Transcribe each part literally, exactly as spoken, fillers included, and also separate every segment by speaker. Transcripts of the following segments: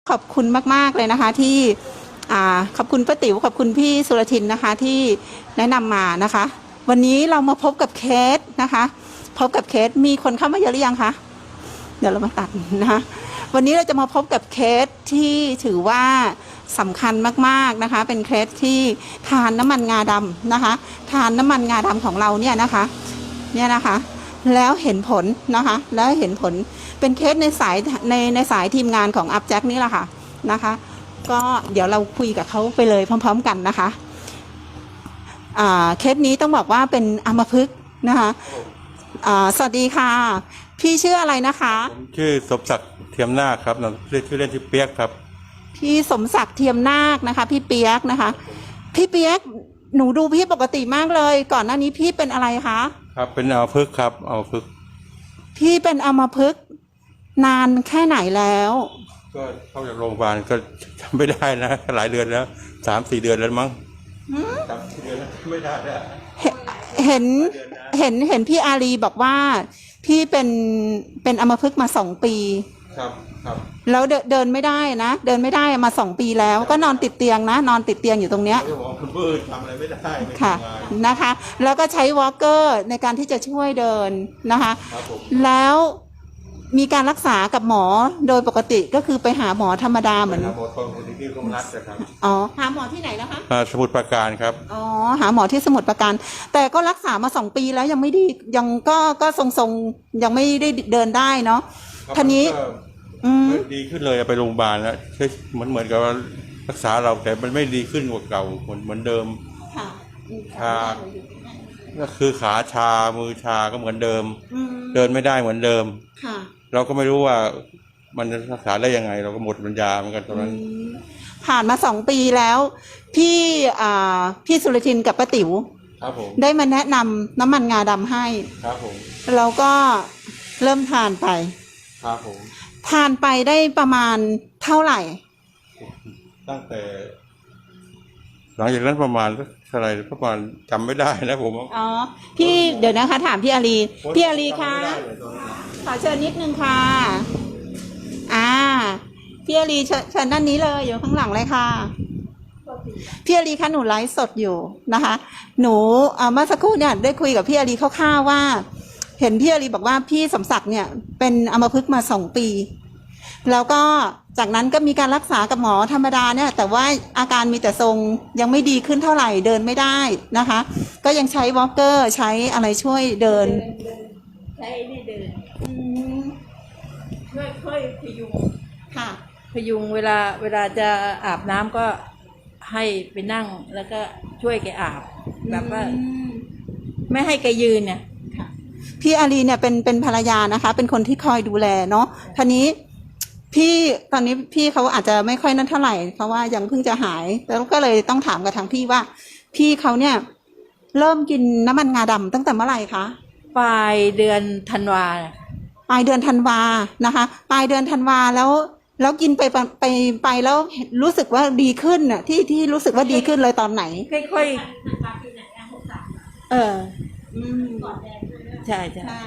Speaker 1: ขอบคุณมากๆเลยนะคะที่อ่าขอบคุณป้าติ๋วขอบคุณพี่สุรทินนะคะที่แนะนำมานะคะ วันนี้เรามาพบกับเคสนะคะ พบกับเคสมีคนเข้ามาเยอะหรือยังคะเดี๋ยวเรามาตัดนะคะวันนี้เราจะมาพบกับเคสที่ถือว่าสำคัญมากๆนะคะ เป็นเคสที่ทานน้ำมันงาดำนะคะ ทานน้ำมันงาดำของเราเนี่ยนะคะเนี่ยนะคะแล้วเห็นผลนะคะแล้วเห็นผลเป็นเคสในสายในในสายทีมงานของอัพแจ็คนี่แหละค่ะนะคะก็เดี๋ยวเราคุยกับเขาไปเลยพร้อมๆกันนะคะอ่าเคสนี้ต้องบอกว่าเป็นอัมพฤกษ์นะคะอ่าสวัสดีค่ะพี่ชื่ออะไรนะคะ
Speaker 2: ผมชื่อสมศักดิ์เทียมนาคครับเรียกชื่อเล่นชื่อเปียกครับ
Speaker 1: พี่สมศักดิ์เทียมนาคนะคะพี่เปียกนะคะพี่เปียกหนูดูพี่ปกติมากเลยก่อนหน้านี้พี่เป็นอะไรคะ
Speaker 2: ครับเป็นอัมพฤกษ์ครับอัมพฤกษ์
Speaker 1: พี่เป็นอัมพฤกษ์นานแค่ไหนแล้ว
Speaker 2: ก็เข้าจากโรงพยาบาลก็จำไม่ได้นะหลายเดือนแล้วสามสี่เดือนแล้วมั้งสามสี่เดือนแล้วไม่ได้แล้ว
Speaker 1: เห็นเห็นเห็นพี่อารีบอกว่าพี่เป็นเป็นอัมพฤกษ์มาสองปี
Speaker 2: ครับครับ
Speaker 1: แล้วเดินเดินไม่ได้นะเดินไม่ได้มาสองปีแล้วก็นอนติดเตียงนะนอนติดเตียงอยู่ตรงเนี้ย
Speaker 2: คุณปื้ดทำอะไรไม่ได้
Speaker 1: ค่ะนะคะแล้วก็ใช้วอล์กเกอร์ในการที่จะช่วยเดินนะคะแล้วมีการรักษากับหมอโดยปกติก็คือไปหาหมอธรรมดาเหมือน
Speaker 2: หาหมอคนที่โรงรัฐนะครับ
Speaker 1: อ๋อหาหมอที่ไหนนะคะ
Speaker 2: สมุทรปราการครับ
Speaker 1: อ๋อหาหมอที่สมุทรปราการแต่ก็รักษามาสองปีแล้วยังไม่ดียังก็ก็ทรงๆยังไม่ได้เดินได้เนาะทีนี้
Speaker 2: ดีขึ้นเลยไปโรงพยาบาลแล้วเหมือนเหมือนกับรักษาเราแต่มันไม่ดีขึ้นกว่าเก่าเหมือนเหมือนเดิมชาก็คือขาชามือชาก็เหมือนเดิมเดินไม่ได้เหมือนเดิมเราก็ไม่รู้ว่ามันจะรักษาได้ยังไงเราก็หมดปัญญาเหมือนกันตอนนั้น
Speaker 1: ผ่านมาสองปีแล้วพี่อ่าพี่สุรทินกับป้าติ๋ว
Speaker 2: ครับผม
Speaker 1: ได้มาแนะนำน้ำมันงาดำให้
Speaker 2: ครับผม
Speaker 1: เราก็เริ่มทานไป
Speaker 2: ครับผม
Speaker 1: ทานไปได้ประมาณเท่าไหร่
Speaker 2: ตั้งแต่หลังจากนั้นประมาณเท่าไหร่ประมาณจำไม่ได้นะผม
Speaker 1: อ๋อพี่เดี๋ยวนะคะถามพี่อารีพี่อารีคะขอเชิญนิดนึงค่ะอ่าพี่อารีเชิญด้านนี้เลยอยู่ข้างหลังเลยค่ะพี่อารีคะหนูไลฟ์สดอยู่นะคะหนูเมื่อสักครู่เนี่ยได้คุยกับพี่อารีคร่าวๆว่าเห็นพี่อารีบอกว่าพี่สมศักดิ์เนี่ยเป็นอัมพฤกษ์มาสองปีแล้วก็จากนั้นก็มีการรักษากับหมอธรรมดาเนี่ยแต่ว่าอาการมีแต่ทรงยังไม่ดีขึ้นเท่าไหร่เดินไม่ได้นะคะก็ยังใช้วอล์กเกอร์ใช้อะไรช่วยเดิน
Speaker 3: ใช้นี่เดินช่วยค่อยพยุง
Speaker 1: ค่ะ
Speaker 3: พยุงเวลาเวลาจะอาบน้ำก็ให้ไปนั่งแล้วก็ช่วยแกอาบแบบว่าไม่ให้แกยืนเนี่ย
Speaker 1: พี่อารีเนี่ยเป็นเป็นภรรยานะคะเป็นคนที่คอยดูแลเนาะทีนี้พี่ตอนนี้พี่เขาอาจจะไม่ค่อยนั่นเท่าไหร่เพราะว่ายังเพิ่งจะหายแล้วก็เลยต้องถามกับทางพี่ว่าพี่เขาเนี่ยเริ่มกินน้ำมันงาดำตั้งแต่เมื่อไหร่คะ
Speaker 3: ปลายเดือนธันวา
Speaker 1: ปลายเดือนธันวานะคะปลายเดือนธันวาแล้วแล้วกินไปไปไปแล้วรู้สึกว่าดีขึ้นน่ะที่ที่รู้สึกว่าดีขึ้นเลยตอนไหน
Speaker 3: ค่อยๆเออใช่ใช่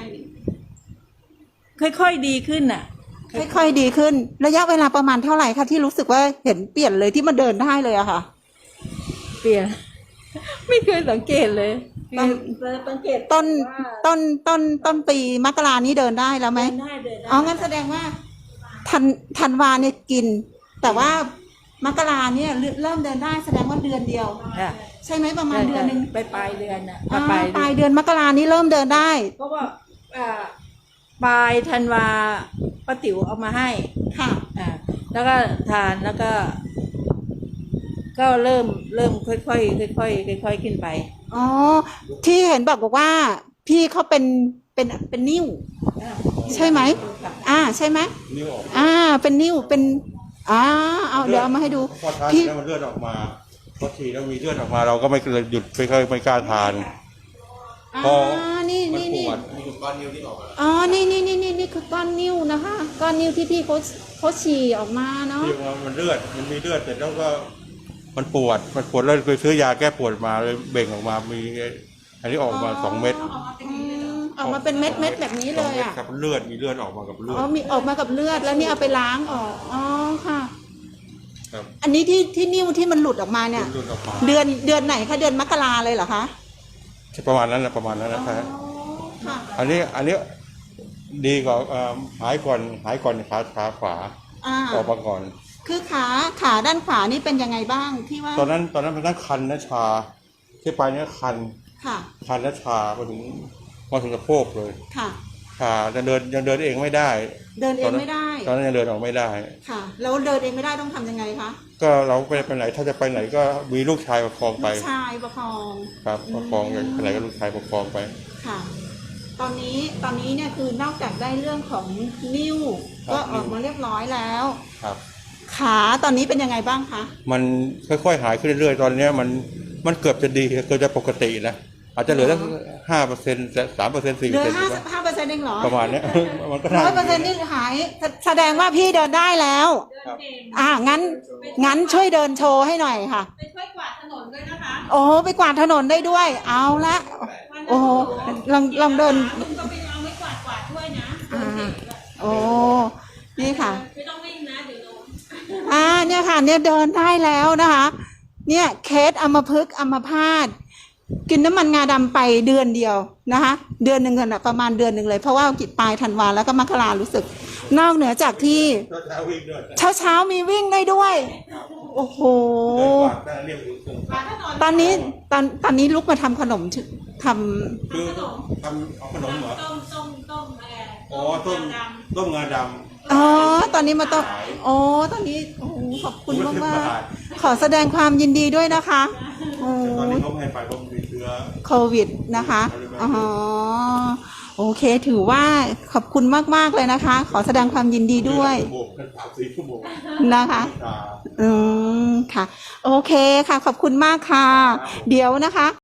Speaker 3: ค่อยๆดีขึ้นน่ะ
Speaker 1: ค่อยๆดีขึ้นระยะเวลาประมาณเท่าไหร่คะที่รู้สึกว่าเห็นเปลี่ยนเลยที่มาเดินได้เลยอะค่ะ
Speaker 3: เปลี่ยนไม่เคยสังเกตเลย
Speaker 1: สังเกตต้นต้นต้นต้นปีมกรานี้เดินได้แล้วไหมอ๋องั้นแสดงว่าธันธันวาเนี่ยกินแต่ว่ามกราเนี่ยเริ่มเดินได้แสดงว่าเดือนเดียวใช่ไหมประมาณเดือนนึง
Speaker 3: ไปปลายเดือนอ่ะ
Speaker 1: ปลายปลายเดือนมกรานี้เริ่มเดินได้
Speaker 3: เพราะว่าปลายธันวาป้าติ๋วเอามาให้
Speaker 1: ค่ะ
Speaker 3: อ่าแล้วก็ทานแล้วก็ ก็เริ่มเริ่มค่อยๆค่อยๆค่อยๆขึ้นไป
Speaker 1: อ๋อที่เห็นบอกบอกว่าพี่เขาเป็นเป็นเป็นนิ่วใช่ไหมอ่าใช่ไหม
Speaker 2: นิ่วออก
Speaker 1: อ่าเป็นนิ่วเป็นอ่าเอาเดี๋ยวเอามาให้ดู
Speaker 2: พี่แล้วมันเลือดออกมาพอฉีดแล้วมีเลือดออกมาเราก็ไม่เลยหยุดไม่ค่อยไม่กล้าทาน
Speaker 1: อ๋อนี่นี่นี่
Speaker 2: นี่คือก้อนนิ้วที่ออกมา
Speaker 1: อ๋อนี่นี่นี่นี่นี่คือก้อนนิ้วนะคะก้อนนิ้วที่พี่เขาเขาฉี่ออกมาเนาะ
Speaker 2: ที่มันเลือดมันมีเลือดแต่แล้วก็มันปวดมันปวดแล้วไปซื้อยาแก้ปวดมาเลยเบ่งออกมามีอันนี้ออกมาสองเม็ด
Speaker 1: ออกมาเป็นเม็ดเม็ดแบบนี้เลยอ่ะ
Speaker 2: กับเลือดมีเลือดออกมากับเลือด
Speaker 1: อ๋อมีออกมากับเลือดแล้วนี่เอาไปล้างออกอ๋อค่ะอันนี้ที่ที่นิ้วที่มันหลุดออกมาเนี่ย
Speaker 2: หลุดออกมา
Speaker 1: เดือนเดือนไหนคะเดือนมกราเลยเหรอคะ
Speaker 2: ประมาณนั้นนะประมาณนั้นนะครับ
Speaker 1: ค่ะ
Speaker 2: อันนี้อันนี้ดีกว่าเอ่อหายก่อนหายก่อนขาขาขวา
Speaker 1: อ่า
Speaker 2: ออกมาก่อน
Speaker 1: คือขาขาด้านขวานี่เป็นยังไงบ้างที่ว่า
Speaker 2: ตอนนั้นตอนนั้นมันนั่งคันนะชาที่ไปเนี่ยคัน
Speaker 1: ค่ะ
Speaker 2: คันและชามาถึงมาถึงสะโพกเลย
Speaker 1: ค่ะ
Speaker 2: ชาจะเดินยังเดินเองไม่ได้
Speaker 1: เดินเองไม่ได้
Speaker 2: ตอนนั้นยังเดินออกไม่ได้
Speaker 1: ค่ะแล้วเดินเองไม่ได้ต้องทำยังไงคะ
Speaker 2: ก็เราไปไปไหนถ้าจะไปไหนก็มีลูกชายประคองไป
Speaker 1: ลูกชายประคอง
Speaker 2: ครับประคองไปไหนก็ลูกชายประคองไป
Speaker 1: ค่ะ ตอนนี้ตอนนี้เนี่ยคือนอกจากได้เรื่องของนิ้ว
Speaker 2: ครับ
Speaker 1: ก็ออกมาเรียบร้อยแล้ว
Speaker 2: ครับ
Speaker 1: ขาตอนนี้เป็นยังไงบ้างคะ
Speaker 2: มันค่อยๆหายขึ้นเรื่อยๆ ตอนเนี้ยมันมันเกือบจะดีเกือบจะปกตินะอาจจะเหลือสักห้าเปอร์เซ็นต์สามเปอร์เซ็นต์สี่
Speaker 1: เห
Speaker 2: เปอ
Speaker 1: ลื
Speaker 2: ร์
Speaker 1: อ
Speaker 2: เซ็นต์
Speaker 1: ห้าห้าเปอร์เซ็นต์เองเหรอ
Speaker 2: ประมาณเนี้ย มันก็
Speaker 1: ร้อยเปอร์เซ็นต์นี่หายแสแสดงว่าพี่เดินได้แล้ว
Speaker 2: ครับ
Speaker 1: อ่างั้นงั้นช่วยเดินโชว์ให้หน่อยค่ะ
Speaker 3: ไปช่วยกวาดถนนด้วยนะคะ
Speaker 1: โอ้โหไปกวาดถนนได้ด้วย เอาละโอ้โหลองลองเดิน
Speaker 3: ลุงก็ไปเอาไม้กวาดกวาดด้วยนะ
Speaker 1: อ่าโอ้นี่ค่ะ
Speaker 3: ไม่ต้องวิ่งนะเดี๋ยวโดน
Speaker 1: อ่าเนี่ยค่ะเนี่ยเดินได้แล้วนะคะ เนี่ยเคสอัมพฤกษ์อัมพาตกินน้ำมันงาดำไปเดือนเดียวนะคะ เดือนหนึ่งกันอะประมาณเดือนหนึ่งเลยเพราะว่ากิจปลายธันวาแล้วก็มกรารู้สึก นอกเหนือจากที่
Speaker 2: ก็จะวิ่งด้วย
Speaker 1: เช้าเช้าๆมีวิ่งได้ด้วย โอ้โห
Speaker 2: เดินกวาดได้เรียบร้อย
Speaker 3: กวาดถนน
Speaker 1: ตอนนี้ตอนตอนนี้ลุกมาทำขนมถึท
Speaker 2: คือทำเอาขนมเหรอ
Speaker 3: ต้มต้มต้มอะไร
Speaker 2: อ๋อต้ม
Speaker 3: ด
Speaker 2: ต้มงาด
Speaker 1: ำอ๋อตอนนี้มาต้องอ๋อตอนนี้โอ้โหขอบ
Speaker 2: ำ
Speaker 1: คุณมาก
Speaker 2: สิบ
Speaker 1: มาก
Speaker 2: บท
Speaker 1: ขอแสดงความยินดีด้วยนะคะโอ้
Speaker 2: แต่ตอนนี้เขาไม่ให้ไปเพราะมันมีเชื้อ
Speaker 1: โควิดนะคะอ๋อโอเคถือว่าขอบคุณมากๆเลยนะคะ ขอแสดงความยินดีด้วย
Speaker 2: ชั่วโมงกันสามสี่ชั่วโมง
Speaker 1: นะคะ
Speaker 2: ตา
Speaker 1: อืมค่ะ โอเคค่ะ ขอบคุณมากค่ะ เดี๋ยวนะคะ